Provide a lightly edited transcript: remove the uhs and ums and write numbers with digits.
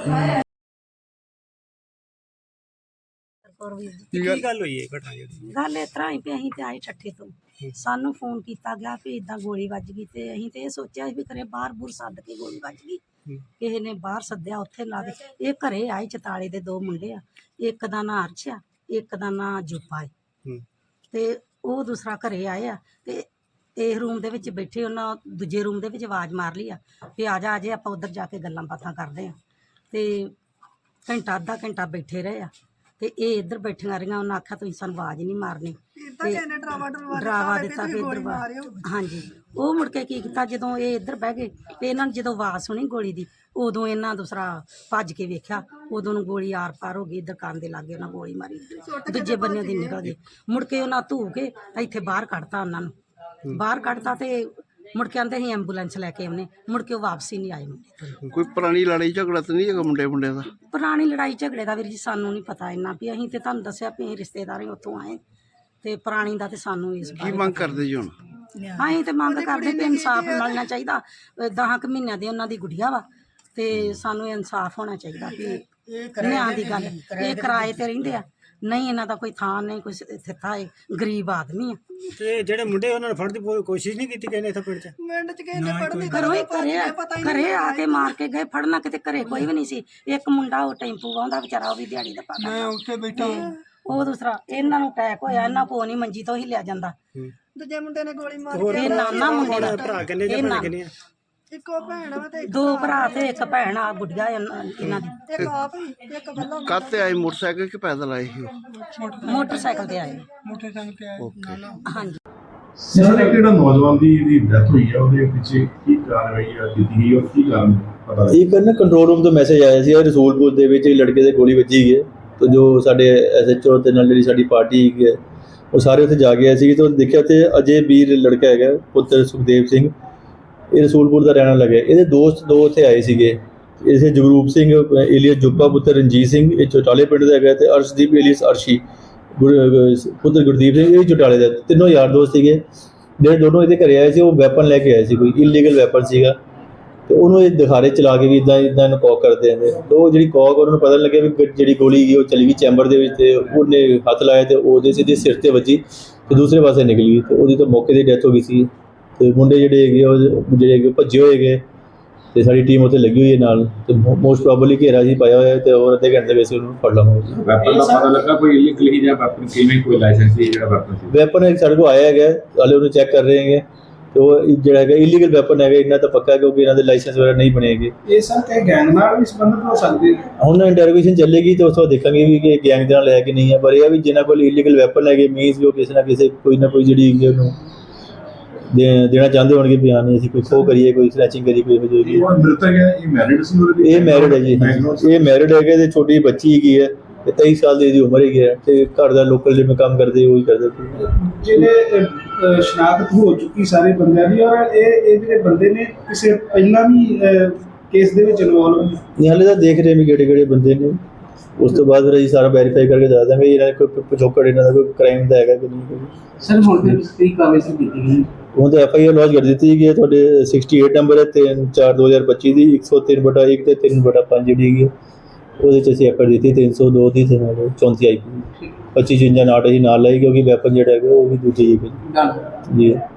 गल इस तरह ही भी असीं ते आए ठट्ठे तो सानू फोन किया गया भी इदां गोली वज गई ते असीं ते सोचा भी घरे बाहर बूर सद के गोली वज गई किसी ने बाहर सद्या उत्थे ला के ये घरे आए 44 दे 2 मुंडे आ एक दा नां अर्श आ एक दा नां जूपा है ते ओह दूसरा घरे आए आ ते इस रूम दे विच बैठे उन्हां दूजे रूम दे विच आवाज़ मार ली आ भी आ जा आपां उधर जाके गल्लां बातां करदे आ ते घंटा अद्धा घंटा बैठे रहे आ ते ये इधर बैठियां रहियां उन्हें आख्या तुसीं सानूं आवाज़ नहीं मारनी डरावा दिता भी इधर हाँ जी वो मुड़ के की कीता जदों ये इधर बह गए ते इन्हां जदों आवाज़ सुनी गोली दी उदों इन्हां दूसरा भज के वेख्या उदों गोली आर पार हो गई दुकान दे लागे उन्हें गोली मारी दूजे बन्ने दी निकल गई मुड़ के उन्हें धू के इत्थे बाहर कढ़ता उन्होंने बाहर कढ़ता ते मुड़ के आंदे ही एंबूलेंस लैके आने मुड़ के वापसी नहीं आए मुंडे कोई पुरानी लड़ाई झगड़ा तो नहीं है मुंडे मुंडे दा पुरानी लड़ाई झगड़े का वीर जी सानू नहीं पता इन्ना भी असीं ते तुहानूं दस्सिया भी रिश्तेदार उत्थों आए ते पुरानी दा ते सानू इस की मंग करदे जी हुण असीं ते मंग करदे भी इंसाफ मिलना चाहिए 10 महीनों दी उन्हां दी गुड़िया वा ते सानू इंसाफ होना चाहिए भी न्याय दी गल ये किराए ते रहिंदे आ नहीं इन्हां दा कोई थां नहीं कोई थिता है गरीब आदमी है ते जेहड़े मुंडे उन्होंने फड़न दी कोशिश नहीं की किसी ने इत्थे पिंड च घरों ही घरे आके मार के गए फड़ना किते घरे कोई भी नहीं सी एक मुंडा वो टेंपू आंदा बेचारा वो भी दिहाड़ी दा पांदा मैं उत्थे बैठा ਉਹ दूसरा इन्हां नूं अटैक होया इन्हां को नहीं मंजी तो हिलिया जांदा दूजे मुंडे ने गोली मारी ये नाना मुंडे दा भरा किन्ने जे भैण किन्ने इक्को भैण वा ते दो भरा ते एक भैण आ गुड़िया इन्हां दी एक आप एक बल्ला काते आए मोटरसाइकिल के पैदल आए ही मोटरसाइकिल ते आए ओके हाँ जी सर एक ਜਿਹੜਾ ਨੌਜਵਾਨ ਦੀ ਡੈਥ ਹੋਈ ਆ ਉਹਦੇ ਪਿੱਛੇ ਕੀ ਕਾਰਵਾਈ ਕੀਤੀ ਗਈ ਔਰ ਕੀ ਕਾਰਨ ਪਤਾ ਲੱਗਾ ਇੱਕ ਨਾ ਕੰਟਰੋਲ ਰੂਮ ਤੋਂ ਮੈਸੇਜ ਆਇਆ ਸੀ ਰਸੂਲਪੁਰ ਦੇ ਵਿੱਚ ਲੜਕੇ ਦੇ ਗੋਲੀ ਵੱਜੀ ਗਈ ਹੈ तो जो साढ़े SHO ਤੇ ਨਾਲ ਜਿਹੜੀ ਸਾਡੀ ਪਾਰਟੀ ਹੈ ਉਹ ਸਾਰੇ ਉੱਥੇ ਜਾ ਗਏ ਸੀ ਤਾਂ ਦੇਖਿਆ ਤੇ ਅਜੇ ਵੀਰ ਲੜਕਾ ਹੈਗਾ ਪੁੱਤਰ ਸੁਖਦੇਵ ਸਿੰਘ ਇਹ ਰਸੂਲਪੁਰ ਦਾ ਰਹਿਣ ਲੱਗਾ ਇਹਦੇ ਦੋਸਤ ਦੋ ਉੱਥੇ ਆਏ ਸੀਗੇ ਇਸੇ ਜਗਰੂਪ ਸਿੰਘ ਏਲੀਅਸ ਜੁੱਪਾ ਪੁੱਤਰ ਰਣਜੀਤ ਸਿੰਘ ਇਹ ਚੋਟਾਲੇ ਪਿੰਡ ਦਾ ਹੈਗਾ ਤੇ ਅਰਸ਼ਦੀਪ ਏਲੀਅਸ ਅਰਸ਼ੀ ਪੁੱਤਰ ਗੁਰਦੀਪ ਸਿੰਘ ਇਹ ਚੋਟਾਲੇ ਦਾ ਤਿੰਨੋਂ ਯਾਰ ਦੋਸਤ ਸੀਗੇ ਜਿਹੜੇ ਦੋਨੋਂ ਇਹਦੇ ਘਰੇ ਆਏ ਸੀ ਉਹ ਵੈਪਨ ਲੈ ਕੇ ਆਏ ਸੀ ਕੋਈ ਇਲੀਗਲ ਵੈਪਨ ਸੀਗਾ ਤੇ ਉਹਨੂੰ ਇਹ ਦਿਖਾਰੇ ਚਲਾ ਕੇ ਵੀ ਇਦਾਂ ਇਹਨੂੰ ਕੌਕ ਕਰਦੇ ਆਂਦੇ ਉਹ ਜਿਹੜੀ ਕੌਕ ਉਹਨਾਂ ਨੂੰ ਪਤਾ ਲੱਗਿਆ ਵੀ ਜਿਹੜੀ ਗੋਲੀ ਗਈ ਉਹ ਚਲੀ ਗਈ ਚੈਂਬਰ ਦੇ ਵਿੱਚ ਤੇ ਉਹਨੇ ਹੱਥ ਲਾਇਆ ਤੇ ਉਹਦੇ ਸਿੱਧੇ ਸਿਰ ਤੇ ਵੱਜੀ ਤੇ ਦੂਸਰੇ ਪਾਸੇ ਨਿਕਲ ਗਈ ਤੇ ਉਹਦੀ ਤਾਂ ਮੌਕੇ ਤੇ ਡੈਥ ਹੋ ਗਈ ਸੀ ਤੇ ਮੁੰਡੇ ਜਿਹੜੇ ਹੈਗੇ ਉਹ ਜਿਹੜੇ ਭੱਜੇ ਹੋਏ ਹੈਗੇ ਤੇ ਸਾਡੀ ਟੀਮ ਉੱਥੇ ਲੱਗੀ ਹੋਈ ਹੈ ਨਾਲ ਤੇ ਮੋਸਟ ਪ੍ਰੋਬਬਲੀ ਘੇਰਾ ਜੀ ਪਾਇਆ ਹੋਇਆ ਤੇ ਹੋਰ ਅੱਧੇ ਘੰਟੇ ਵਿੱਚ ਉਹਨੂੰ ਫੜ ਲਵਾਂਗੇ ਵੈਪਨ ਦਾ ਪਤਾ ਲੱਗਾ ਕੋਈ ਇਲੀਗਲ ਹੀ ਜਾਂ ਵੈਪਨ ਕਿਵੇਂ ਕੋਈ ਲਾਇਸੈਂਸ ਸੀ ਜਿਹੜਾ ਵੈਪਨ ਸੀ ਵੈਪਨ ਸਾਡੇ ਕੋਲ ਆਇਆ ਹੈਗਾ ਹਾਲੇ ਉਹਨੂੰ ਚੈੱਕ ਕਰ ਰਹੇ ਹੈਗੇ ਤੇ ਉਹ ਜਿਹੜਾ ਹੈਗਾ ਇਲੀਗਲ ਵੈਪਨ ਹੈਗਾ ਇਹਨਾਂ ਤਾਂ ਪੱਕਾ ਕਿਉਂਕਿ ਇਹਨਾਂ ਦੇ ਲਾਇਸੈਂਸ ਵਗੈਰਾ ਨਹੀਂ ਬਣੇ ਹੈਗੇ ਇਹ ਸਰ ਕਿ ਗੈਂਗ ਨਾਲ ਵੀ ਸੰਬੰਧਿਤ ਹੋ ਸਕਦੇ ਹੁਣ ਇੰਟਰੋਗੇਸ਼ਨ ਚੱਲੇਗੀ ਤੇ ਉਸ ਤੋਂ ਦੇਖਾਂਗੇ ਵੀ ਕਿ ਗੈਂਗ ਦੇ ਨਾਲ ਹੈ ਕਿ ਨਹੀਂ ਹੈ ਪਰ ਇਹ ਵੀ ਜਿਨ੍ਹਾਂ ਕੋਲ ਇਲੀਗਲ ਵੈਪਨ ਹੈਗੇ ਮੀਨਸ ਵੀ ਉਹ ਕਿਸੇ ਨਾ ਕਿਸੇ ਕੋਈ ਨਾ ਕੋਈ ਜਿਹੜੀ ਹੈਗੀ ਉਹਨੂੰ ਦੇਣਾ ਚਾਹੁੰਦੇ ਹੋਣਗੇ ਵੀ ਹਾਂ ਨਹੀਂ ਅਸੀਂ ਕੋਈ ਖੋਹ ਕਰੀਏ ਕੋਈ ਸਨੈਚਿੰਗ ਕਰੀਏ ਕੋਈ ਹੋ ਜਾਏਗੀ ਉਹ ਮ੍ਰਿਤਕ ਹੈ ਇਹ ਮੈਰਿਡ ਸੀ ਇਹ ਮੈਰਿਡ ਹੈ ਜੀ ਇਹ ਮੈਰਿਡ ਹੈਗੇ ਤੇ ਛੋਟੀ ਬੱਚੀ ਹੈਗੀ ਹੈ ਤੇ 23 ਸਾਲ ਦੀ ਇਹਦੀ ਉਮਰ ਹੈਗੀ ਹੈ ਤੇ ਘਰ ਦਾ ਲੋਕਲ ਜਿਵੇਂ ਕੰਮ ਕਰਦੇ ਉਹੀ ਕਰਦੇ ਜਿਹਨੇ ਸ਼ਨਾਖਤ ਹੋ ਚੁੱਕੀ ਸਾਰੇ ਬੰਦਿਆਂ ਦੀ ਔਰ ਇਹ ਜਿਹੜੇ ਬੰਦੇ ਨੇ ਕਿਸੇ ਪਹਿਲਾਂ ਵੀ ਕੇਸ ਦੇ ਵਿੱਚ ਇਨਵੋਲਵ ਨਹੀਂ ਹਾਲੇ ਤਾਂ ਦੇਖ ਰਹੇ ਵੀ ਕਿਹੜੇ ਬੰਦੇ ਨੇ ਉਸ ਤੋਂ ਬਾਅਦ ਫਿਰ ਅਸੀਂ ਸਾਰਾ ਵੈਰੀਫਾਈ ਕਰਕੇ ਦੱਸ ਦਾਂਗੇ ਇਹਨਾਂ ਦਾ ਕੋਈ ਪਿਛੋਕੜ ਇਹਨਾਂ ਦਾ ਕੋਈ ਕ੍ਰਾਈਮ ਦਾ ਹੈਗਾ ਕਿ ਨਹੀਂ ਸਰ ਹੁਣ ਫਿਰ ਕੀ ਕਾਰਵਾਈ ਕੀਤੀ ਗਈ ਹੁਣ ਤਾਂ FIR ਲੌਂਚ ਕਰ ਦਿੱਤੀ ਗਈ ਹੈ ਤੁਹਾਡੇ 68 ਨੰਬਰ ਹੈ 3/4/2025 ਦੀ 103/1 ਤੇ 3/5 ਜਿਹੜੀ ਹੈਗੀ ਉਹਦੇ 'ਚ ਅਸੀਂ FIR ਦਿੱਤੀ 302 ਦੀ ਤੇ ਨਾਲ 34 IP 25 55 ਨਾਟ ਅਸੀਂ ਨਾਲ ਲਾਈ ਕਿਉਂਕਿ ਵੈਪਨ ਜਿਹੜਾ ਹੈਗਾ ਉਹ ਵੀ ਦੂਜੀ ਜੀ